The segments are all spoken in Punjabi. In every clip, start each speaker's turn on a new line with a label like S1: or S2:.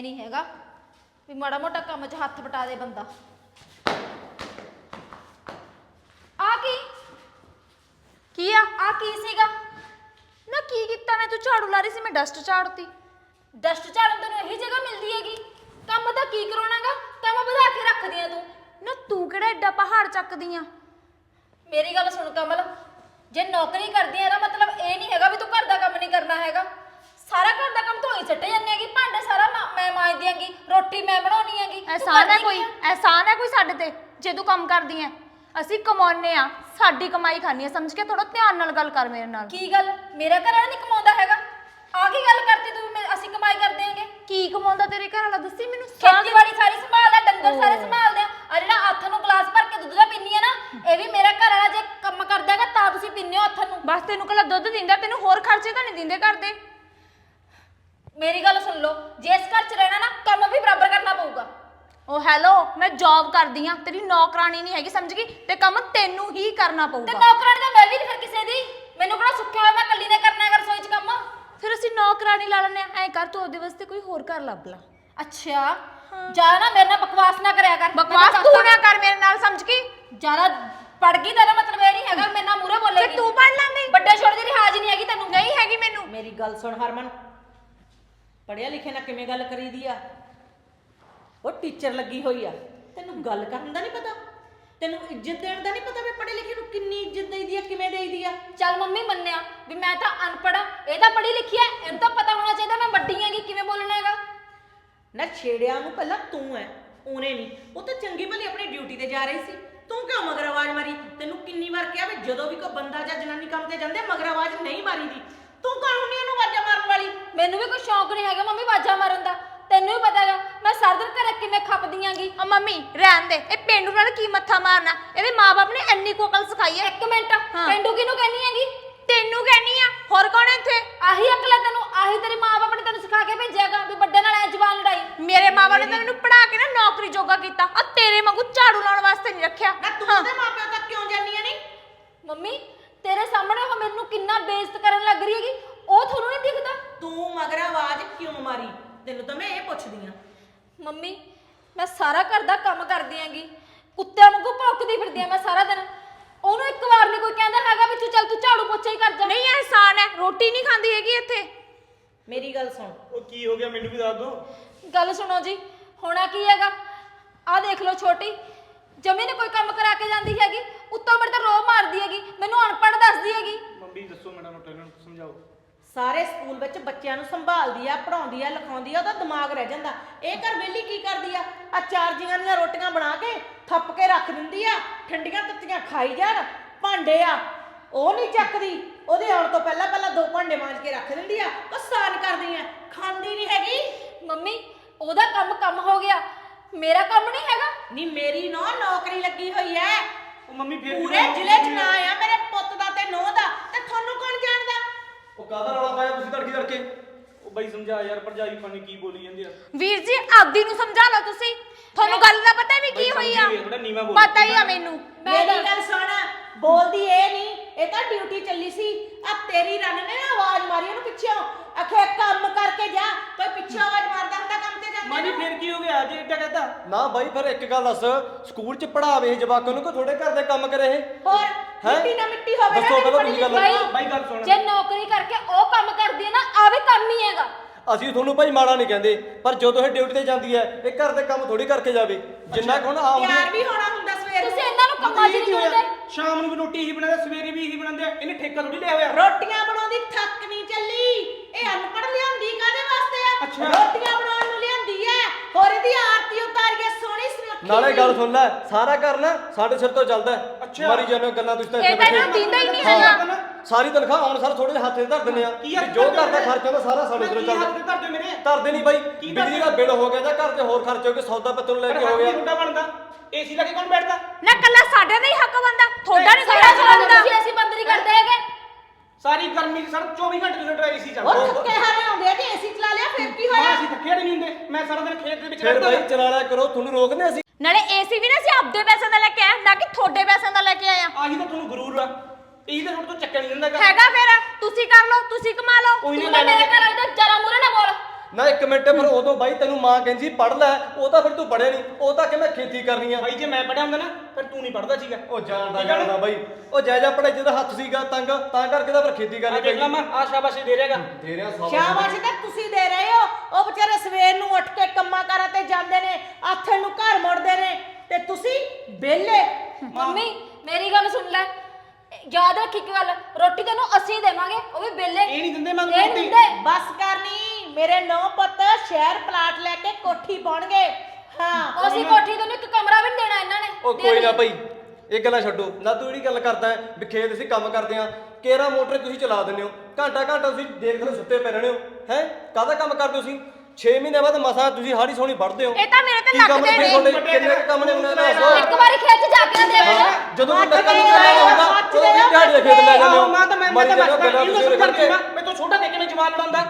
S1: ਐ ਨਹੀਂ ਹੈਗਾ ਵੀ ਮਾੜਾ ਮੋਟਾ ਕੰਮ 'ਚ ਹੱਥ ਵਟਾ ਦੇ ਬੰਦਾ। ਆ ਕੀ ਆ ਕੀ ਸੀਗਾ
S2: ਨਾ ਕੀ ਕੀਤਾ ਮੈਂ? ਤੂੰ ਝਾੜੂ ਲਾ ਰਹੀ ਸੀ, ਮੈਂ ਡਸਟ ਝਾੜਤੀ।
S1: ਡਸਟ ਝਾੜਨ ਤੈਨੂੰ ਇਹੀ ਜਗ੍ਹਾ ਮਿਲਦੀ ਹੈਗੀ? ਕੰਮ ਤਾਂ ਕੀ ਕਰਾਉਣਾਗਾ, ਕੰਮ ਵਧਾ ਕੇ ਰੱਖਦੀ ਆ ਤੂੰ।
S2: ਨਾ ਤੂੰ ਕਿਹੜਾ ਐਡਾ ਪਹਾੜ ਚੱਕਦੀ ਆ?
S1: ਮੇਰੀ ਗੱਲ ਸੁਣ ਕਮਲ, ਜੇ ਨੌਕਰੀ ਕਰਦੀ ਆ ਇਹਦਾ ਮਤਲਬ ਇਹ ਨਹੀਂ ਹੈਗਾ ਵੀ ਤੂੰ ਘਰ ਦਾ ਕੰਮ ਨਹੀਂ ਕਰਨਾ ਹੈਗਾ। ਸਾਰਾ ਘਰ ਦਾ ਕੰਮ ਤੂੰ ਹੀ ਸੱਟੇ ਜਾਂਦੀ ਹੈਗੀ, ਭਾਂਡੇ ਸਾਰਾ ਮੈਂ ਮਾਂਜਦੀ ਹੈਗੀ, ਰੋਟੀ ਮੈਂ ਬਣਾਉਣੀ ਹੈਗੀ।
S2: ਐਹਸਾਨ ਹੈ ਕੋਈ ਸਾਡੇ ਤੇ ਜੇ ਤੂੰ ਕੰਮ ਕਰਦੀ ਐ? ਅਸੀਂ ਕਮਾਉਨੇ ਆ, ਸਾਡੀ ਕਮਾਈ ਖਾਣੀ ਆ, ਸਮਝ ਕੇ ਥੋੜਾ ਧਿਆਨ ਨਾਲ ਗੱਲ ਕਰ ਮੇਰੇ ਨਾਲ।
S1: ਕੀ ਗੱਲ, ਮੇਰਾ ਘਰ ਵਾਲਾ ਨਹੀਂ ਕਮਾਉਂਦਾ ਹੈਗਾ? ਆ ਕੀ ਗੱਲ ਕਰਤੀ ਤੂੰ? ਅਸੀਂ ਕਮਾਈ ਕਰਦੇ ਆਂਗੇ।
S2: ਕੀ ਕਮਾਉਂਦਾ ਤੇਰੇ ਘਰ ਵਾਲਾ, ਦੱਸੀ ਮੈਨੂੰ।
S1: ਖੇਤੀਬਾੜੀ ਸਾਰੀ ਸੰਭਾਲਦਾ, ਡੰਗਰ ਸਾਰੇ ਸੰਭਾਲਦੇ ਆ ਜਿਹੜਾ ਹੱਥ ਨੂੰ ਗਲਾਸ ਭਰ ਕੇ ਦੁੱਧ ਦਾ ਪੀਨੀ ਆ ਨਾ, ਇਹ ਵੀ ਮੇਰਾ ਘਰ ਵਾਲਾ ਜੇ ਕੰਮ ਕਰਦਾ ਹੈਗਾ ਤਾਂ ਤੁਸੀਂ ਪੀਨੇ ਹੋ ਹੱਥ ਨੂੰ।
S2: ਬਸ ਤੈਨੂੰ ਕੱਲਾ ਦੁੱਧ ਦਿੰਦਾ, ਤੈਨੂੰ ਹੋਰ ਖਰਚੇ ਤਾਂ ਨਹੀਂ ਦਿੰਦੇ ਘਰ ਦੇ।
S1: ਮੇਰੀ ਗੱਲ ਸੁਣ ਲਓ, ਜੇ ਇਸ ਘਰ 'ਚ ਰਹਿਣਾ ਨਾ ਕੰਮ ਵੀ ਬਰਾਬਰ ਕਰਨਾ ਪਊਗਾ।
S2: ਓ ਹੈਲੋ, ਮੈਂ ਜੌਬ ਕਰਦੀ ਆ, ਤੇਰੀ ਨੌਕਰਾਨੀ ਨਹੀਂ ਹੈਗੀ, ਸਮਝ ਗਈ? ਤੇ ਕੰਮ ਤੈਨੂੰ ਹੀ ਕਰਨਾ
S1: ਤੇ
S2: ਪਊਗਾ।
S1: ਨੌਕਰਾਨੀ ਤਾਂ ਮੈਂ ਵੀ ਨਹੀਂ ਫਿਰ ਕਿਸੇ ਦੀ, ਮੈਨੂੰ ਕਿਹੜਾ ਸੁੱਖਿਆ ਹੋਇਆ ਮੈਂ ਇਕੱਲੀ ਨੇ ਕਰਨਾ ਹੈਗਾ ਰਸੋਈ 'ਚ ਕੰਮ।
S2: ਫਿਰ ਅਸੀਂ ਨੌਕਰਾਨੀ ਲਾ ਲੈਣੇ ਆ। ਐ ਕਰ ਤੂੰ ਉਹਦੇ ਵਾਸਤੇ ਕੋਈ ਹੋਰ ਘਰ ਲੱਭ ਲਾ।
S1: ਅੱਛਾ, ਜਿਆਦਾ ਨਾ ਮੇਰੇ ਨਾਲ ਬਕਵਾਸ ਨਾ ਕਰਿਆ ਕਰ।
S2: ਬਕਵਾਸ ਤੂੰ ਨਾ ਕਰ ਮੇਰੇ ਨਾਲ, ਸਮਝ ਗਈ?
S1: ਜਿਆਦਾ ਪੜ ਗਈ ਤਾਂ ਮਤਲਬ ਇਹ ਨਹੀਂ ਹੈਗਾ ਮੇਰੇ ਨਾਲ ਮੂਹਰੇ ਬੋਲੇਗੀ।
S2: ਤੇ ਤੂੰ ਪੜ ਲੈਂਦੀ?
S1: ਵੱਡੇ ਛੋਟੇ ਦੀ ਲਿਹਾਜ਼ ਨਹੀਂ ਹੈਗੀ ਤੈਨੂੰ?
S2: ਨਹੀਂ ਹੈਗੀ ਮੈਨੂੰ।
S3: ਮੇਰੀ ਗੱਲ ਸੁਣ ਹਰਮਨ, ਪੜਿਆ ਲਿਖਿਆ ਨਾਲ ਕਿਵੇਂ ਗੱਲ ਕਰੀਦੀ ਆ? ਉਹ ਟੀਚਰ ਲੱਗੀ ਹੋਈ ਆ, ਤੈਨੂੰ ਗੱਲ ਕਰਨ ਦਾ ਨਹੀਂ ਪਤਾ? ਤੈਨੂੰ ਇੱਜ਼ਤ ਦੇਣ ਦਾ ਨਹੀਂ ਪਤਾ ਵੀ ਪੜ੍ਹੇ ਲਿਖੇ ਨੂੰ ਕਿੰਨੀ ਇੱਜ਼ਤ ਦੇਈਦੀ ਆ, ਕਿਵੇਂ ਦੇਈਦੀ ਆ?
S1: ਚੱਲ ਮੰਮੀ ਮੰਨਿਆ ਵੀ ਮੈਂ ਤਾਂ ਅਨਪੜ੍ਹ ਆ, ਇਹ ਤਾਂ ਪੜ੍ਹੀ ਲਿਖੀ ਐ, ਇਹਨੂੰ ਤਾਂ ਪਤਾ ਹੋਣਾ ਚਾਹੀਦਾ ਮੈਂ ਵੱਡੀ ਹੈਗੀ, ਕਿਵੇਂ ਬੋਲਣਾ ਹੈਗਾ।
S3: ਨਾ ਛੇੜਿਆ ਨੂੰ ਪਹਿਲਾਂ ਤੂੰ ਐ, ਉਹਨੇ ਨਹੀਂ। ਉਹ ਤਾਂ ਚੰਗੀ ਭਲੀ ਆਪਣੀ ਡਿਊਟੀ ਤੇ ਜਾ ਰਹੀ ਸੀ, ਤੂੰ ਕਿਉਂ ਮਗਰ ਆਵਾਜ਼ ਮਾਰੀ? ਤੈਨੂੰ ਕਿੰਨੀ ਵਾਰ ਕਿਹਾ ਵੀ ਜਦੋਂ ਵੀ ਕੋਈ ਬੰਦਾ ਜਾਂ ਜਨਾਨੀ ਕੰਮ ਤੇ ਜਾਂਦੇ ਮਗਰ ਆਵਾਜ਼ ਨਹੀਂ ਮਾਰੀਦੀ। ਤੂੰ ਕੌਣ ਹੁੰਦੀ ਉਹਨੂੰ ਆਵਾਜ਼ਾਂ ਮਾਰਨ ਵਾਲੀ?
S1: ਮੈਨੂੰ ਵੀ ਕੋਈ ਸ਼ੌਂਕ ਨਹੀਂ ਹੈਗਾ ਮੰਮੀ ਬਾਜਾ ਮਾਰਨ ਦਾ, ਤੈਨੂੰ ਵੀ ਪਤਾ ਹੈਗਾ ਮੈਂ ਸਾਰਾ ਦਿਨ ਘਰੇ ਕਿਵੇਂ ਖੱਪਦੀ ਆਂਗੀ।
S2: ਆ ਮੰਮੀ ਰਹਿਣ ਦੇ, ਇਹ ਪੇਂਡੂ ਨਾਲ ਕੀ ਮੱਥਾ ਮਾਰਨਾ? ਇਹਦੇ ਮਾਪੇ ਨੇ ਇੰਨੀ ਕੁ ਅਕਲ ਸਿਖਾਈ ਹੈ।
S1: ਇੱਕ ਮਿੰਟ, ਪਿੰਡੂ ਕਿਹਨੂੰ ਕਹਿੰਦੀ ਹੈਗੀ?
S2: ਤੈਨੂੰ ਕਹਿਨੀ ਆ, ਹੋਰ ਕੌਣ ਹੈ ਇੱਥੇ?
S1: ਆਹੀ ਅਕਲ ਹੈ ਤੈਨੂੰ, ਆਹੀ ਤੇਰੇ ਮਾਪੇ ਨੇ ਤੈਨੂੰ ਸਿਖਾ ਕੇ ਭੇਜਿਆਗਾ ਵੀ ਵੱਡੇ ਨਾਲ ਐ ਜ਼ਬਾਨ ਲੜਾਈ।
S2: ਮੇਰੇ ਮਾਪੇ ਨੇ ਤਾਂ ਮੈਨੂੰ ਪੜਾ ਕੇ ਨਾ ਨੌਕਰੀ ਜੋਗਾ ਕੀਤਾ, ਆ ਤੇਰੇ ਵਾਂਗੂ ਝਾੜੂ ਲਾਉਣ ਵਾਸਤੇ ਨਹੀਂ ਰੱਖਿਆ।
S3: ਨਾ ਤੂੰ ਤੇ ਮਾਪਿਆਂ ਤੱਕ ਕਿਉਂ ਜਾਂਦੀਆਂ ਨਹੀਂ?
S1: ਮੰਮੀ ਤੇਰੇ ਸਾਹਮਣੇ ਉਹ ਮੈਨੂੰ ਕਿੰਨਾ ਬੇਇੱਜ਼ਤ ਕਰਨ ਲੱਗ ਰਹੀ ਹੈਗੀ, ਉਹ ਤੁਹਾਨੂੰ ਨਹੀਂ ਦਿਖਦਾ?
S3: ਤੂੰ ਮਗਰ ਆਵਾਜ਼ ਕਿਉਂ ਮਾਰੀ? ਤੈਨੂੰ ਤਾਂ ਮੈਂ ਇਹ ਪੁੱਛਦੀ ਆ।
S1: ਮੰਮੀ ਮੈਂ ਸਾਰਾ ਘਰ ਦਾ ਕੰਮ ਕਰਦੀ ਆਂਗੀ, ਕੁੱਤਿਆਂ ਵਾਂਗੂ ਭੌਂਕਦੀ ਫਿਰਦੀ ਆਂ ਮੈਂ ਸਾਰਾ ਦਿਨ। ਉਹਨੂੰ ਇੱਕ ਵਾਰ ਨਹੀਂ ਕੋਈ ਕਹਿੰਦਾ ਹੈਗਾ ਵੀ ਤੂੰ ਚੱਲ ਤੂੰ ਝਾੜੂ ਪੋਚਾ ਹੀ ਕਰ ਜਾ।
S2: ਨਹੀਂ ਅਹਿਸਾਨ ਹੈ, ਰੋਟੀ ਨਹੀਂ ਖਾਂਦੀ ਹੈਗੀ ਇੱਥੇ।
S3: ਮੇਰੀ ਗੱਲ ਸੁਣ।
S4: ਉਹ ਕੀ ਹੋ ਗਿਆ ਮੈਨੂੰ ਵੀ ਦੱਸ ਦੋ।
S1: ਗੱਲ ਸੁਣੋ ਜੀ, ਹੋਣਾ ਕੀ ਹੈਗਾ, ਆਹ ਦੇਖ ਲਓ ਛੋਟੀ ਜਮੀ ਨੇ ਕੋਈ ਕੰਮ ਕਰਾ ਕੇ ਜਾਂਦੀ ਹੈਗੀ, ਉੱਤੋਂ ਮੇਰੇ ਤਾਂ ਰੋਹ ਮਾਰਦੀ ਹੈਗੀ, ਮੈਨੂੰ ਅਨਪੜ੍ਹ ਦੱਸਦੀ ਹੈਗੀ।
S4: ਮੰਮੀ ਦੱਸੋ ਮੈਡਮ ਨੂੰ ਇਹਨਾਂ ਨੂੰ ਸਮਝਾਓ।
S3: ਸਾਰੇ ਸਕੂਲ ਵਿੱਚ ਬੱਚਿਆਂ ਨੂੰ ਸੰਭਾਲਦੀ ਆ, ਪੜਾਉਂਦੀ ਆ, ਲਿਖਾਉਂਦੀ ਆ, ਉਹਦਾ ਦਿਮਾਗ ਰਹਿ ਜਾਂਦਾ। ਇਹ ਘਰ ਵਿਹਲੀ ਕੀ ਕਰਦੀ ਆ? ਆ ਚਾਰ ਜੀਆਂ ਦੀਆਂ ਰੋਟੀਆਂ ਬਣਾ ਕੇ ਥੱਪ ਕੇ ਰੱਖ ਦਿੰਦੀ ਆ, ਠੰਡੀਆਂ ਤੱਤੀਆਂ ਖਾਈ ਜਾਣ। ਭਾਂਡੇ ਆ ਉਹ ਨਹੀਂ ਚੱਕਦੀ, ਉਹਦੇ ਆਉਣ ਤੋਂ ਪਹਿਲਾਂ ਪਹਿਲਾਂ 2 ਭਾਂਡੇ ਮਾਂਜ ਕੇ ਰੱਖ ਦਿੰਦੀ ਆ। ਉਹ ਸਾਨ ਕਰਦੀ ਆ, ਖਾਂਦੀ ਨਹੀਂ ਹੈਗੀ।
S1: ਮੰਮੀ ਉਹਦਾ ਕੰਮ ਹੋ ਗਿਆ, ਮੇਰਾ ਕੰਮ ਨਹੀਂ ਹੈਗਾ।
S3: ਨਹੀਂ ਮੇਰੀ ਨੌਕਰੀ ਲੱਗੀ ਹੋਈ ਐ,
S4: ਉਹ ਮੰਮੀ ਫੇਰ
S3: ਪੂਰੇ ਜ਼ਿਲ੍ਹੇ 'ਚ ਨਾਂ ਆ ਮੇਰੇ ਪੁੱਤ ਦਾ ਤੇ ਨੂੰਹ ਦਾ, ਤੇ ਤੁਹਾਨੂੰ ਕੌਣ ਜਾਣਦਾ?
S4: ਉਹ ਕਾਹਦਾ ਰੌਲਾ ਪਾਇਆ ਤੁਸੀਂ ਤੜਕੇ? ਉਹ ਬਾਈ ਸਮਝਾ ਯਾਰ, ਭਰਜਾਈ ਪਾਣੀ ਕੀ ਬੋਲੀ ਜਾਂਦੀ ਆ।
S2: ਵੀਰ ਜੀ ਆਪਦੀ ਨੂੰ ਸਮਝਾ ਲਓ ਤੁਸੀਂ, ਤੁਹਾਨੂੰ ਗੱਲ ਦਾ ਪਤਾ ਵੀ ਕੀ ਹੋਈ ਆ? ਪਤਾ ਹੀ ਆ ਮੈਨੂੰ।
S3: ਮੇਰੀ ਗੱਲ ਸੁਣ, ਬੋਲਦੀ ਇਹ ਨਹੀਂ, ਇਹ ਤਾਂ ਡਿਊਟੀ ਚੱਲੀ ਸੀ। ਆ ਤੇਰੀ ਰਨ ਨੇ ਨਾ ਆਵਾਜ਼ ਮਾਰੀ ਉਹਨੂੰ ਪਿੱਛੋਂ, ਆਖੇ ਕੰਮ ਕਰਕੇ ਜਾ। ਕੋਈ ਪਿੱਛੋਂ ਆਵਾਜ਼ ਮਾਰਦਾ ਹੁੰਦਾ ਕੰਮ ਤੇ ਜਾਂਦੇ
S4: ਮਾਨੀ
S3: ਨੂੰ?
S4: ਫੇਰ ਕੀ ਹੋ ਗਿਆ ਜੇ ਇੱਦਾਂ ਕਹਤਾ?
S5: ਨਾ ਬਾਈ ਫਿਰ ਇੱਕ ਗੱਲ ਦੱਸ, ਸਕੂਲ ਚ ਪੜਾਵੇ ਜਵਾਕਾਂ ਨੂੰ ਕਿ ਥੋੜੇ ਘਰ ਦੇ ਕੰਮ ਕਰੇ ਇਹ?
S3: ਹੋਰ
S5: ਹੈਂ?
S3: ਮਿੱਟੀ ਨਾ ਮਿੱਟੀ ਹੋਵੇ ਨਾ
S5: ਦੱਸੋ
S3: ਮੇਰੀ
S5: ਪਹਿਲਾਂ
S3: ਬੜੀ
S5: ਤੁਸੀਂ ਗੱਲ।
S3: ਲਿਖੀ।
S4: ਬਾਈ ਗੱਲ ਸੁਣ,
S1: ਜੇ ਨੌਕਰੀ ਕਰਕੇ ਉਹ ਕੰਮ ਕਰਦੀ ਹੈ ਨਾ, ਆ ਵੀ ਕੰਮ ਹੀ ਹੈਗਾ।
S5: ਅਸੀਂ ਤੁਹਾਨੂੰ ਭਾਈ ਮਾੜਾ ਨਹੀਂ ਕਹਿੰਦੇ, ਪਰ ਜਦੋਂ ਇਹ ਡਿਊਟੀ ਤੇ ਜਾਂਦੀ ਹੈ ਇਹ ਘਰ ਦੇ ਕੰਮ ਥੋੜੀ ਕਰਕੇ ਜਾਵੇ, ਜਿੰਨਾ ਕੁ ਹੁਣ ਆਉਂਦੀ
S3: ਤਿਆਰ ਵੀ ਹੋਣਾ ਹੁੰਦਾ ਸਵੇਰ
S1: ਤੁਸੀਂ
S3: ਨੂੰ।
S1: ਇਹਨਾਂ ਨੂੰ ਕੰਮਾਂ 'ਚ ਨਹੀਂ ਲਾਉਂਦੇ।
S4: ਸ਼ਾਮ ਨੂੰ ਵੀ ਰੋਟੀ ਇਹੀ ਬਣਾਉਂਦੇ, ਸਵੇਰੇ ਵੀ ਇਹੀ ਬਣਾਉਂਦੇ ਆ। ਇਹਨੇ ਠੇਕਾ ਥੋੜੀ ਲਿਆ ਹੋਇਆ।
S3: ਰੋਟੀਆਂ ਬਣਾਉਂਦੀ ਥੱਕ ਨਹੀਂ ਚੱਲੀ। ਇਹ ਅਨਪੜ੍ਹ ਲਿਆਂਦੀ ਕਾਹਦੇ ਵਾਸਤੇ ਆ?
S4: ਅੱਛਾ।
S3: ਰੋਟੀਆਂ ਬਣਾਉਣ ਨੂੰ ਲਿਆਂਦੀ ਐ, ਹੋਰ ਇਹਦੀ ਆਰਤੀ ਉਤਾਰੀਏ ਸੋਹਣੀ ਸੁਨੱਖੀ।
S5: ਨਾਲੇ ਗੱਲ ਸੁਣ ਲੈ, ਸਾਰਾ ਘਰ ਨਾ ਸਾਡੇ ਸਿਰ ਤੋਂ ਚੱਲਦਾ ਹੈ।
S4: ਅੱਛਾ।
S5: ਮਾਰੀ ਜਾਂਦੇ ਗੱਲਾਂ ਤੁਸੀਂ ਤਾਂ
S2: ਇਹ ਤਾਂ ਇਹਨਾਂ ਨੂੰ ਦਿੰਦਾ ਹੀ ਨਹੀਂ ਹੈਗਾ।
S5: ਸਾਰੀ ਤਨਖਾਹ ਆਉਣ ਸਾਰ ਥੋੜੇ ਜਿਹੇ ਹੱਥ 'ਚ ਧਰ ਦਿੰਦੇ ਆ,
S4: ਕੀ ਹੱਥ
S5: ਵੀ ਜੋ
S4: ਧਰ
S5: ਘਰ ਦਾ
S4: ਦਿੰਦੇ?
S5: ਖਰਚਾ ਹੁੰਦਾ ਸਾਰਾ ਸਾਡੇ ਸਿਰੋਂ
S4: ਕੀ ਹੱਥ
S5: ਚੱਲਦਾ।
S4: ਤੇ ਧਰ ਦਿਓ ਮੇਰੇ?
S5: ਧਰਦੇ ਨਹੀਂ ਬਾਈ,
S4: ਕੀ
S5: ਬਿਜਲੀ ਦਾ ਬਿੱਲ ਹੋ ਗਿਆ ਜਾਂ ਘਰ 'ਚ ਹੋਰ ਖਰਚ ਹੋ ਗਏ, ਸੌਦਾ ਪੱਤਰ ਨੂੰ ਲੈ ਕੇ ਹੋ ਗਿਆ।
S4: ਮੁੰਡਾ ਬਣਦਾ ਏਸੀ ਲਾ ਕੇ ਕੌਣ ਬੈਠਦਾ?
S2: ਨਾ ਕੱਲਾ ਸਾਡੇ ਦਾ ਹੀ ਹੱਕ ਬੰਦਾ, ਤੁਹਾਡਾ ਨਹੀਂ
S1: ਸਾਡਾ
S2: ਸਾਡਾ ਚੱਲਦਾ।
S1: ਤੁਸੀਂ ਅਸੀਂ ਬੰਦ ਨਹੀਂ ਕਰਦੇ ਹੈਗੇ।
S4: ਸਾਰੀ ਗਰਮੀ 'ਚ ਸਰ 24 ਘੰਟੇ ਤੁਸੀਂ ਡਰਾਈਵ ਏਸੀ ਚੱਲਦਾ।
S3: ਉਹ ਥੱਕੇ ਹਾਰੇ ਆਉਂਦੇ ਆ, ਜੇ ਏਸੀ ਚਲਾ ਲਿਆ ਫਿਰ ਕੀ
S4: ਮਾਂ
S3: ਹੋਇਆ?
S4: ਅਸੀਂ ਥੱਕੇ ਨਹੀਂ ਹੁੰਦੇ, ਮੈਂ ਸਾਰਾ ਦਿਨ ਖੇਤ ਦੇ ਵਿੱਚ
S5: ਫਿਰ
S4: ਰਹਿੰਦਾ।
S5: ਬਾਈ ਚਲਾ ਲਿਆ ਕਰੋ, ਤੁਹਾਨੂੰ ਰੋਕਦੇ ਅਸੀਂ?
S2: ਨਾਲੇ ਏਸੀ ਵੀ ਨਾ ਅਸੀਂ ਆਪਦੇ ਪੈਸੇ ਦਾ ਲੈ ਕੇ ਆਏ, ਨਾ ਕਿ ਤੁਹਾਡੇ ਪੈਸਿਆਂ ਦਾ ਲੈ ਕੇ ਆਏ ਆ।
S4: ਆਹੀ ਤਾਂ ਤੁਹਾਨੂੰ ਗਰੂਰ ਆ, ਇਹੀ ਤਾਂ ਤੁਹਾਡੇ ਤੋਂ ਚੱਕਿਆ ਨਹੀਂ ਜਾਂਦਾ
S2: ਹੈਗਾ ਫਿਰ ਤੁਸੀਂ ਕਰ ਲਓ, ਤੁਸੀਂ ਕਮਾ ਲਓ।
S4: ਕੋਈ
S1: ਤੂੰ
S4: ਨਾ
S1: ਤਾਂ ਮੇਰੇ ਘਰ ਵਾਲੇ ਦਾ ਜਰਾ ਮੂਹਰੇ ਨਾ ਬੋਲ।
S5: ਨਾ ਇੱਕ ਮਿੰਟ ਫਿਰ ਉਦੋਂ ਬਾਈ ਤੈਨੂੰ ਮਾਂ ਕਹਿੰਦੀ ਪੜ੍ਹ ਲੈ, ਉਹ ਤਾਂ ਫਿਰ ਤੂੰ ਪੜ੍ਹਿਆ ਨਹੀਂ, ਉਹ ਤਾਂ ਕਿ ਮੈਂ ਖੇਤੀ ਕਰਨੀ ਆ।
S4: ਬਾਈ ਜੇ ਮੈਂ ਪੜਿਆ ਹੁੰਦਾ ਨਾ ਫਿਰ ਤੂੰ ਨਹੀਂ ਪੜਦਾ ਸੀਗਾ।
S5: ਉਹ ਜਾਣਦਾ ਬਾਈ, ਉਹ ਜਾਇਜਾ ਪੜ੍ਹਾਈ ਜਿਹਦਾ ਹੱਥ ਸੀਗਾ ਤੰਗ, ਤਾਂ ਕਰਕੇ ਤਾਂ ਫਿਰ ਖੇਤੀ
S4: ਆ
S5: ਕਰਨੀ
S4: ਦੇਖ ਲਾ ਮੈਂ ਆ ਸ਼ਾਬਾਸ਼ੀ ਦੇ ਰਿਹਾਗਾ।
S5: ਦੇ ਰਿਹਾ
S3: ਸ਼ਾਬਾਸ਼ ਤਾਂ ਤੁਸੀਂ ਦੇ ਰਹੇ ਹੋ। ਉਹ ਵਿਚਾਰੇ ਸਵੇਰ ਨੂੰ ਉੱਠ ਕੇ ਕੰਮਾਂ ਕਾਰਾਂ ਤੇ ਜਾਂਦੇ ਨੇ, ਆਥਣ ਨੂੰ ਘਰ ਮੁੜਦੇ ਨੇ, ਤੇ ਤੁਸੀਂ ਵਿਹਲੇ।
S1: ਮੰਮੀ ਮੇਰੀ ਗੱਲ ਸੁਣ ਲੈ, ਯਾਦ ਰੱਖੀ ਇੱਕ ਗੱਲ, ਰੋਟੀ ਤੈਨੂੰ ਅਸੀਂ ਦੇਵਾਂਗੇ, ਉਹ ਵੀ ਬੇਲੇ।
S4: ਇਹ ਨਹੀਂ ਦਿੰਦੇ ਮੰਗ
S1: ਇਹ
S4: ਰੋਟੀ।
S1: ਨਹੀਂ ਦਿੰਦੇ।
S3: ਬਸ ਕਰਨੀ, ਮੇਰੇ ਨੌ ਪੁੱਤ ਸ਼ਹਿਰ ਪਲਾਟ ਲੈ ਕੇ ਕੋਠੀ ਪਾਉਣਗੇ। ਹਾਂ
S1: ਅਸੀਂ ਕੋਠੀ ਤੈਨੂੰ ਇੱਕ ਕਮਰਾ ਵੀ ਨੀ ਦੇਣਾ ਇਹਨਾਂ ਨੇ।
S5: ਉਹ ਕੋਈ ਨਾ ਭਾਈ, ਇਹ ਗੱਲਾਂ ਛੱਡੋ ਨਾ, ਤੂੰ ਜਿਹੜੀ ਗੱਲ ਕਰਦਾ ਹੈ ਵੀ ਖੇਤ ਅਸੀਂ ਕੰਮ ਕਰਦੇ ਆ, ਕੇਰਾ ਮੋਟਰ ਤੁਸੀਂ ਚਲਾ ਦਿੰਦੇ ਹੋ, ਘੰਟਾ ਤੁਸੀਂ ਦੇਖ ਲਓ ਸੁੱਤੇ ਪਏ ਰਹਿੰਦੇ ਹੋ ਹੈ, ਕਾਹਦਾ ਕੰਮ ਕਰਦੇ ਹੋ ਤੁਸੀਂ? 6 ਮਹੀਨੇ ਬਾਅਦ ਮਸਾਂ ਤੁਸੀਂ ਹਾੜੀ ਸੋਣੀ ਵੱਢਦੇ ਹੋ।
S2: ਇਹ ਤਾਂ ਮੇਰੇ ਤੇ
S5: ਕੀ ਕੰਮ
S2: ਲੱਗਦੇ
S5: ਨੇ
S2: ਨੇ।
S5: ਤੁਹਾਡੇ? ਕਿੰਨੇ ਕੁ ਕੰਮ ਨੇ ਉਹਨਾਂ ਦਾ ਦੱਸੋ।
S1: ਇੱਕ ਵਾਰੀ ਖੇਤ ਜਾ ਕੇ ਦੇਖ ਲੈ।
S5: ਜਦੋਂ ਵੀ ਕੰਮ ਕਰਨਾ ਹੁੰਦਾ ਉਦੋਂ ਵੀ ਦਿਹਾੜੀ ਦੇ ਖੇਤ ਲੈ ਜਾਂਦੇ ਹੋ।
S4: ਮਾਂ ਤਾਂ ਮੈਂ
S5: ਮਰੀ ਜਾਂਦੇ ਹੋ
S4: ਤਾਂ
S5: ਗੱਲਾਂ ਤੁਸੀਂ
S4: ਸਮਝਾ
S5: ਕਰਕੇ।
S4: ਮੈਂ ਤੋਂ ਛੋਟਾ ਦੇਖ ਕੇ ਮੈਂ ਜਵਾਨ ਲੜਾਉਂਦਾ।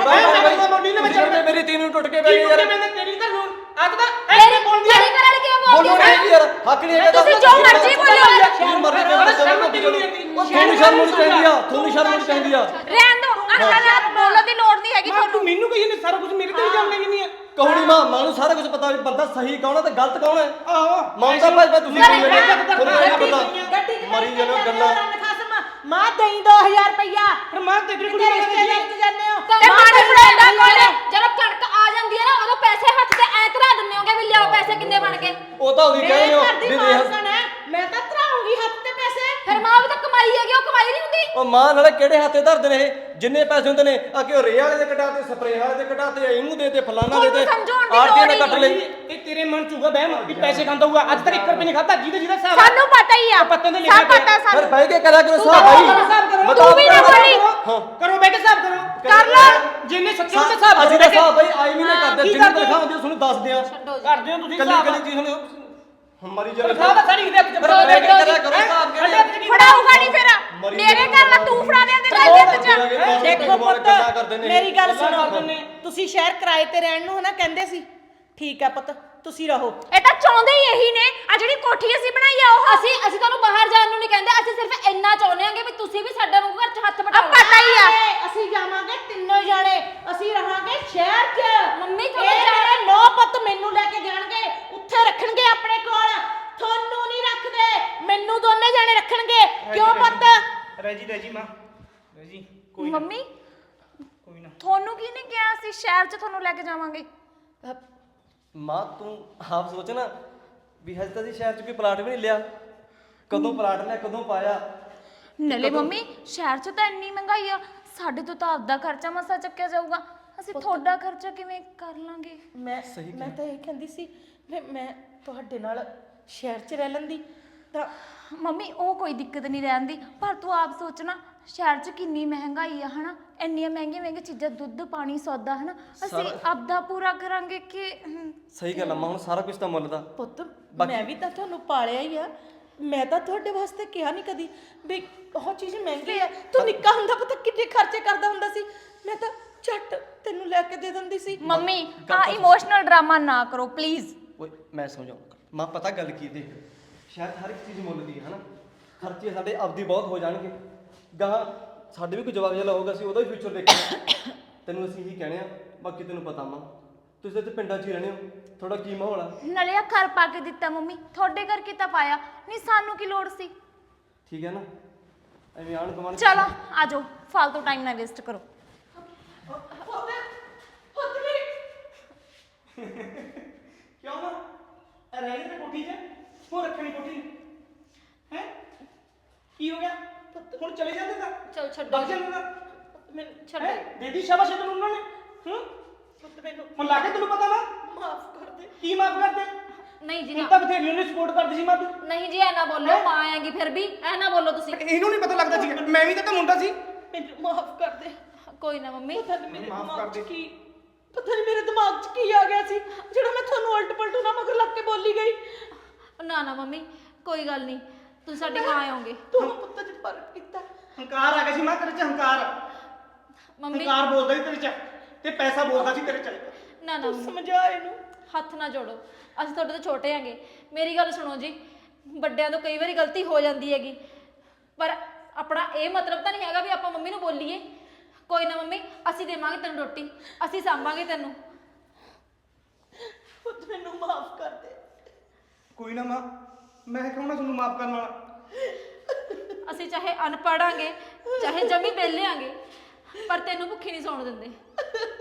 S5: ਮੇਰੀ ਤੀਨ ਨੂੰ ਟੁੱਟ ਕੇ ਬੈ ਗਈ ਯਾਰ।
S4: ਤੇਰੀ ਤਾਂ ਹੁਣ ਅੱਜ ਤਾਂ
S1: ਮੇਰੀ ਬੋਲਦੀ ਘਰੇ ਵਾਲੀ ਕਿਉਂ ਬੋਲਦੀ
S5: ਬੋਲੋ ਨਹੀਂ ਯਾਰ, ਹੱਕ ਨਹੀਂ ਹੈਗਾ।
S2: ਤੁਸੀਂ ਜੋ ਮਰਜ਼ੀ ਬੋਲੋ।
S5: ਜੋ ਮਰਜ਼ੀ ਬੋਲੋ, ਤੁਹਾਨੂੰ ਸ਼ਰਮ ਨਹੀਂ ਚਾਹੀਦੀ ਆ, ਤੁਹਾਨੂੰ ਸ਼ਰਮ ਨਹੀਂ ਚਾਹੀਦੀ ਆ।
S2: ਰਹਿਣ ਦੋ, ਅੱਖਾਂ ਨਾਲ ਬੋਲਣ ਦੀ ਲੋੜ ਨਹੀਂ ਹੈਗੀ
S4: ਤੂੰ
S2: ਤੁਹਾਨੂੰ।
S4: ਮੈਨੂੰ ਕਹੀ ਨੇ ਸਾਰਾ ਕੁਝ ਮੇਰੇ ਤੇ ਇਲਜ਼ਾਮ ਲਾਈ ਨਹੀਂ ਆ।
S5: ਕਹੋਣੀ ਮਾਂ ਨੂੰ ਸਾਰਾ ਕੁਝ ਪਤਾ ਵੀ ਬੰਦਾ ਸਹੀ ਕੌਣ ਹੈ ਤੇ ਗਲਤ ਕੌਣ ਹੈ।
S4: ਆਹੋ
S5: ਮਾਂ ਦਾ ਭਾਈ ਤੁਸੀਂ ਕੀ ਕਹਿੰਦੇ ਤੁਹਾਨੂੰ ਨਹੀਂ ਪਤਾ।
S3: ਗੱਡੀ
S5: ਮਰੀ ਜਾਂਦੇ ਹੋ ਗੱਲਾਂ।
S3: ਮਾਂ ਦੇਈ 2000 ਰੁਪਇਆ।
S4: ਫਿਰ ਮਾਂ ਤੇਰੀ ਕੁੜੀ
S3: ਤੇਰੇ
S4: ਨਾਲ
S3: ਰਿਸ਼ਤੇਦਾਰੀ ਚ ਜਾਂਦੇ ਹੋ
S1: ਤੇ ਪਾਣੀ ਫੜਾਉਂਦਾ ਕੋਲ ਜਦੋਂ ਕਣਕ ਆ ਜਾਂਦੀ ਹੈ ਨਾ, ਉਦੋਂ ਪੈਸੇ ਹੱਥ ਤੇ ਐ ਧਰਾ ਦਿੰਦੇ ਹੋਗੇ ਵੀ ਲਿਆਓ ਪੈਸੇ ਕਿੰਨੇ ਬਣ ਗਏ।
S5: ਉਹ ਤਾਂ ਉਹਦੀ ਕਹਿੰਦੇ ਹੋ
S3: ਘਰ ਦੀ
S5: ਵੀ
S3: ਮਾਲਕਣ ਹੈ, ਮੈਂ ਤਾਂ ਧਰਾਉਂਗੀ ਹੱਥ ਤੇ ਪੈਸੇ।
S1: ਫਿਰ ਮਾਂ ਵੀ ਤਾਂ ਕਮਾਈ ਹੈਗੀ, ਉਹ ਕਮਾਈ ਨਹੀਂ ਹੁੰਦੀ।
S5: ਉਹ ਮਾਂ ਨਾਲੇ ਕਿਹੜੇ ਹੱਥੇ ਧਰਦੇ ਨੇ ਇਹ, ਜਿੰਨੇ ਪੈਸੇ ਹੁੰਦੇ ਨੇ ਆ ਕਿ ਉਹ ਰੇ ਵਾਲੇ ਦੇ ਕਟਾਤੇ, ਸਪਰੇ ਵਾਲੇ ਦੇ ਕਟਾਤੇ, ਇਹਨੂੰ ਦੇ ਤੇ ਫਲਾਣਾ ਦੇ ਤੇ
S2: ਤੁਹਾਨੂੰ ਸਮਝਾਉਣ ਦੀ
S5: ਆਰਟੀਆਂ ਨੇ
S2: ਲੋੜ
S5: ਕੱਟ ਲਈ।
S4: ਇਹ ਤੇਰੇ ਮਨ ਚ ਹੋਊਗਾ ਬਹਿਮ ਵੀ ਪੈਸੇ ਖਾਂਦਾ ਹੋਊਗਾ। ਅੱਜ ਤੱਕ 1 ਰੁਪਏ ਨਹੀਂ ਖਾਦਾ। ਜਿਹਦੇ ਹਿਸਾਬ
S2: ਸਾਨੂੰ ਪਤਾ ਹੀ ਆ,
S4: ਪੱਤਿਆਂ ਤੇ ਲਿਖਿਆ
S2: ਸਭ ਪਤਾ
S5: ਫਿਰ
S2: ਸਾਨੂੰ।
S5: ਬਹਿ ਕੇ ਕਰਿਆ ਕਰੋ
S2: ਤੂੰ
S5: ਹਿਸਾਬ
S2: ਕਰੋ,
S5: ਭਾਈ।
S2: ਤੂੰ ਵੀ ਨਾ ਬੋਲੀ।
S5: ਹਾਂ
S4: ਕਰੋ ਬਹਿ ਕੇ ਹਿਸਾਬ ਕਰੋ।
S2: ਕਰ ਲਓ।
S4: ਜਿੰਨੇ ਸੱਚੇ ਉਹਦੇ ਹਿਸਾਬ
S5: ਅਸੀਂ ਤਾਂ ਹਿਸਾਬ ਭਾਈ ਆਈ ਵੀ ਨਹੀਂ ਕਰਦੇ,
S4: ਕੀ
S5: ਜਿੰਨੀ
S4: ਕਰਦੇ ਹੋ?
S5: ਤਨਖਾਹ ਹੁੰਦੀ ਤੁਹਾਨੂੰ ਦੱਸਦੇ ਆ।
S4: ਕਰਦੇ ਹੋ ਤੁਸੀਂ
S5: ਕੱਲੀ
S4: ਹਿਸਾਬ।
S5: ਕੱਲੀ ਚੀਜ਼ ਹੁਣ ਹਮਾਰੀ ਜਗ੍ਹਾ
S4: ਤਨਖਾਹ ਤਾਂ ਸਾਰੀ ਇਹਦੇ ਹੱਥ ਚ
S5: ਫਿਰ ਬਹਿ ਕੇ ਕਰਿਆ ਕਰੋ ਹਿਸਾਬ ਕਿਹੜੇ
S2: ਫੜਾਊਗਾ ਨਹੀਂ ਫਿਰ ਮੇਰੇ ਘਰ ਦਾ ਤੂੰ ਫੜਾ ਦੇ ਤੇ ਗੱਲ ਚ।
S3: ਦੇਖੋ
S5: ਗੱਲਾਂ ਕਰਦੇ
S3: ਪੁੱਤ,
S5: ਨੇ।
S3: ਮੇਰੀ ਗੱਲ
S4: ਗੱਲਾਂ
S3: ਸੁਣੋ,
S4: ਕਰਦੇ ਨੇ।
S3: ਤੁਸੀਂ ਸ਼ਹਿਰ ਕਿਰਾਏ ਤੇ ਰਹਿਣ ਨੂੰ ਹਨਾ ਕਹਿੰਦੇ ਸੀ, ਠੀਕ ਆ ਪੁੱਤ ਤੁਸੀਂ ਰਹੋ।
S2: ਇਹ ਤਾਂ ਚਾਹੁੰਦੇ ਹੀ ਇਹੀ ਨੇ, ਆ ਜਿਹੜੀ ਕੋਠੀ ਅਸੀਂ ਬਣਾਈ ਆ ਉਹ
S1: ਅਸੀਂ ਤੁਹਾਨੂੰ ਬਾਹਰ ਜਾਣ ਨੂੰ ਨਹੀਂ ਕਹਿੰਦੇ, ਅਸੀਂ ਸਿਰਫ ਇੰਨਾ ਚਾਹੁੰਦੇ ਹਾਂਗੇ ਵੀ ਤੁਸੀਂ ਵੀ ਸਾਡੇ ਨੂੰ ਘਰ 'ਚ ਹੱਥ ਵਟਾਓ।
S2: ਪਤਾ ਹੀ ਆ।
S3: ਅਸੀਂ ਜਾਵਾਂਗੇ ਤਿੰਨੋਂ ਜਾਣੇ, ਅਸੀਂ ਰਹਾਂਗੇ ਸ਼ਹਿਰ 'ਚ।
S1: ਮੰਮੀ
S3: ਇਹ ਜਾਣੇ ਨੌ ਪੁੱਤ ਮੈਨੂੰ ਲੈ ਕੇ ਜਾਣਗੇ, ਉੱਥੇ ਰੱਖਣਗੇ ਆਪਣੇ ਕੋਲ, ਤੁਹਾਨੂੰ ਨਹੀਂ ਰੱਖਦੇ, ਮੈਨੂੰ ਦੋਨੇ ਜਾਣੇ ਰੱਖਣਗੇ। ਕਿਉਂ ਪੁੱਤ?
S4: ਰੈਜੀ ਮਾਂ ਰੈਜੀ ਕੋਈ ਨਾ
S2: ਮੰਮੀ
S4: ਕੋਈ ਨਾ।
S2: ਤੁਹਾਨੂੰ ਕੀ ਨੇ ਕਿਹਾ ਅਸੀਂ ਸ਼ਹਿਰ 'ਚ ਤੁਹਾਨੂੰ ਲੈ ਕੇ ਜਾਵਾਂਗੇ?
S5: ਮਾਂ ਤੂੰ ਆਪ ਸੋਚ ਨਾ ਵੀ ਹਜੇ ਤਾਂ ਅਸੀਂ ਸ਼ਹਿਰ 'ਚ ਕੋਈ ਪਲਾਟ ਵੀ ਨਹੀਂ ਲਿਆ, ਕਦੋਂ ਪਲਾਟ ਲਿਆ ਕਦੋਂ ਪਾਇਆ।
S2: ਨਲੇ ਮੰਮੀ ਸ਼ਹਿਰ 'ਚ ਤਾਂ ਇੰਨੀ ਮਹਿੰਗਾਈ ਆ, ਸਾਡੇ ਤੋਂ ਤਾਂ ਆਪਦਾ ਖਰਚਾ ਮਸਾ ਚੱਕਿਆ ਜਾਊਗਾ, ਅਸੀਂ ਤੁਹਾਡਾ ਖਰਚਾ ਕਿਵੇਂ ਕਰ ਲਾਂਗੇ?
S3: ਮੈਂ ਤਾਂ ਇਹ ਕਹਿੰਦੀ ਸੀ ਵੀ ਮੈਂ ਤੁਹਾਡੇ ਨਾਲ ਸ਼ਹਿਰ 'ਚ ਰਹਿ ਲੈਂਦੀ ਤਾਂ।
S2: ਮੰਮੀ ਉਹ ਕੋਈ ਦਿੱਕਤ ਨਹੀਂ ਰਹਿਣ ਦੀ, ਪਰ ਤੂੰ ਆਪ ਸੋਚਣਾ ਸ਼ਹਿਰ 'ਚ ਕਿੰਨੀ ਮਹਿੰਗਾਈ ਆ ਹਨਾ, ਇੰਨੀਆਂ ਮਹਿੰਗੀਆਂ ਚੀਜ਼ਾਂ, ਦੁੱਧ ਪਾਣੀ ਸੌਦਾ ਹਨਾ, ਅਸੀਂ ਆਪਦਾ ਪੂਰਾ ਕਰਾਂਗੇ ਕਿ
S5: ਸਹੀ ਗੱਲ ਆ ਮਾਂ, ਹੁਣ ਸਾਰਾ ਕੁਝ ਤਾਂ ਮੁੱਲ ਦਾ।
S3: ਪੁੱਤ ਮੈਂ ਵੀ ਤਾਂ ਤੁਹਾਨੂੰ ਪਾਲਿਆ ਹੀ ਆ, ਮੈਂ ਤਾਂ ਤੁਹਾਡੇ ਵਾਸਤੇ ਕਿਹਾ ਨਹੀਂ ਕਦੀ ਵੀ ਉਹ ਚੀਜ਼ ਮਹਿੰਗੀ ਆ। ਤੂੰ ਨਿੱਕਾ ਹੁੰਦਾ ਪਤਾ ਕਿੰਨੇ ਖਰਚੇ ਕਰਦਾ ਹੁੰਦਾ ਸੀ, ਮੈਂ ਤਾਂ ਝੱਟ ਤੈਨੂੰ ਲੈ ਕੇ ਦੇ ਦਿੰਦੀ ਸੀ।
S2: ਮੰਮੀ ਆ ਇਮੋਸ਼ਨਲ ਡਰਾਮਾ ਨਾ ਕਰੋ ਪਲੀਜ਼।
S5: ਓਏ ਮੈਂ ਸਮਝਾਉਂਗਾ ਮਾਂ, ਪਤਾ ਗੱਲ ਕੀ ਦੇਖ, ਸ਼ਾਇਦ ਹਰ ਇੱਕ ਚੀਜ਼ ਮੁੱਲ ਦੀ ਹੈ ਹਨਾ, ਖਰਚੇ ਸਾਡੇ ਆਪਦੀ ਬਹੁਤ ਹੋ ਜਾਣਗੇ, ਗਾਹਾਂ ਸਾਡੇ ਵੀ ਕੋਈ ਜਵਾਬ ਜਿਹਾ ਹੋਊਗਾ, ਅਸੀਂ ਉਹਦਾ ਵੀ ਫਿਊਚਰ ਦੇਖਣਾ। ਤੈਨੂੰ ਅਸੀਂ ਇਹੀ ਕਹਿਣੇ ਆ, ਬਾਕੀ ਤੈਨੂੰ ਪਤਾ ਮਾਂ ਤੁਸੀਂ ਤਾਂ ਪਿੰਡਾਂ 'ਚ ਹੀ ਰਹਿੰਦੇ ਹੋ, ਥੋੜਾ ਕੀ ਮਾਹੌਲ ਆ।
S2: ਨਲਿਆ ਘਰ ਪਾ ਕੇ ਦਿੱਤਾ ਮੰਮੀ, ਤੁਹਾਡੇ ਘਰ ਕੀਤਾ ਪਾਇਆ ਨਹੀਂ, ਸਾਨੂੰ ਕੀ ਲੋੜ ਸੀ?
S5: ਠੀਕ ਹੈ ਨਾ, ਐਵੇਂ ਆਣ ਕਮਾਣ।
S2: ਚਲੋ ਆ ਜਾਓ, ਫालतू ਟਾਈਮ ਨਾ ਵੇਸਟ ਕਰੋ।
S4: ਕਿਉਂ ਨਾ ਰਹਿ ਗਏ ਤੇ ਕੋਠੀ 'ਚ ਹੋ ਰੱਖਣੀ ਕੋਠੀ ਹੈ? ਕੀ ਹੋ ਗਿਆ? ਹੁਣ ਚਲੇ ਜਾਂਦੇ ਤਾਂ
S1: ਚਲ ਛੱਡੋ
S4: ਬਗ ਜਾਂਦੇ ਤਾਂ
S1: ਮੈਨੂੰ ਛੱਡੋ।
S4: ਹੈਂ? ਦੇਦੀ ਸ਼ਾਬਾਸ਼ ਤੈਨੂੰ ਉਹਨਾਂ ਨੇ ਹੂੰ
S3: ਪੁੱਤ ਮੈਨੂੰ
S4: ਹੁਣ ਲੱਗੇ ਤੈਨੂੰ ਪਤਾ ਵਾ
S3: ਮਾਫ ਕਰ ਦੇ।
S4: ਕੀ ਮਾਫ ਕਰਦੇ?
S1: ਨਹੀਂ ਜੀ
S4: ਹੁਣ
S1: ਨਾ,
S4: ਤਾਂ ਬਥੇਰੀ ਉਹਨੇ ਸਪੋਰਟ ਕਰਦੀ ਸੀ ਮਾਂ ਤੂੰ।
S1: ਨਹੀਂ ਜੀ ਐ ਨਾ ਬੋਲੋ, ਮਾਂ ਆਏਗੀ ਫਿਰ ਵੀ ਐ ਨਾ ਬੋਲੋ ਤੁਸੀਂ।
S4: ਇਹਨੂੰ ਨਹੀਂ ਪਤਾ ਲੱਗਦਾ ਸੀ, ਮੈਂ ਵੀ ਤਾਂ ਮੁੰਡਾ ਸੀ।
S3: ਮੈਨੂੰ ਮਾਫ ਕਰ ਦੇ।
S1: ਕੋਈ ਨਾ ਮੰਮੀ,
S3: ਪਤਾ ਨਹੀਂ ਮੇਰੇ
S4: ਮਾਫ਼
S3: ਦਿਮਾਗ
S4: ਕਰ
S3: 'ਚ
S4: ਦੇ।
S3: ਕੀ, ਪਤਾ ਨਹੀਂ ਮੇਰੇ ਦਿਮਾਗ 'ਚ ਕੀ ਆ ਗਿਆ ਸੀ ਜਿਹੜਾ ਮੈਂ ਤੁਹਾਨੂੰ ਉਲਟ ਪਲਟ ਨਾ ਮਗਰ ਲੱਗ ਕੇ ਬੋਲੀ ਗਈ।
S1: ਨਾ ਨਾ ਮੰਮੀ ਕੋਈ ਗੱਲ ਨਹੀਂ, ਤੁਸੀਂ ਸਾਡੀ ਮਾਂ ਆਓਗੇ।
S3: ਤੁਹਾਨੂੰ ਪੁੱਤ 'ਚ ਫਰਕ ਕੀਤਾ।
S4: ਹੰਕਾਰ ਆ ਗਿਆ ਸੀ ਮਾਂ ਤੇਰੇ 'ਚ, ਹੰਕਾਰ
S1: ਮੰਮੀ
S4: ਹੰਕਾਰ ਬੋਲਦਾ ਸੀ ਤੇਰੇ 'ਚ, ਤੇ ਪੈਸਾ ਬੋਲਦਾ ਸੀ ਤੇਰੇ 'ਚ।
S1: ਨਾ ਨਾ
S3: ਤੂੰ
S1: ਮੰਮੀ,
S3: ਸਮਝਾ ਇਹਨੂੰ।
S1: ਹੱਥ ਨਾ ਜੋੜੋ, ਅਸੀਂ ਤੁਹਾਡੇ ਤੋਂ ਛੋਟੇ ਆਂਗੇ। ਮੇਰੀ ਗੱਲ ਸੁਣੋ ਜੀ, ਵੱਡਿਆਂ ਤੋਂ ਕਈ ਵਾਰੀ ਗਲਤੀ ਹੋ ਜਾਂਦੀ ਹੈਗੀ, ਪਰ ਆਪਣਾ ਇਹ ਮਤਲਬ ਤਾਂ ਨਹੀਂ ਹੈਗਾ ਵੀ ਆਪਾਂ ਮੰਮੀ ਨੂੰ ਬੋਲੀਏ। ਕੋਈ ਨਾ ਮੰਮੀ, ਅਸੀਂ ਦੇਵਾਂਗੇ ਤੈਨੂੰ ਰੋਟੀ, ਅਸੀਂ ਸਾਂਭਾਂਗੇ ਤੈਨੂੰ।
S3: ਪੁੱਤ ਮੈਨੂੰ ਮਾਫ ਕਰ ਦੇ।
S4: ਕੋਈ ਨਾ ਮਾਂ, ਮੈਂ ਕਹੂੰ ਨਾ ਤੁਹਾਨੂੰ ਮਾਫ ਕਰਨ ਵਾਲਾ।
S1: ਅਸੀਂ ਚਾਹੇ ਅਨਪੜਾਂਗੇ ਚਾਹੇ ਜਮੀ ਵਿਹਲਿਆਂਗੇ, ਪਰ ਤੈਨੂੰ ਭੁੱਖੀ ਨਹੀਂ ਸੌਣ ਦਿੰਦੇ।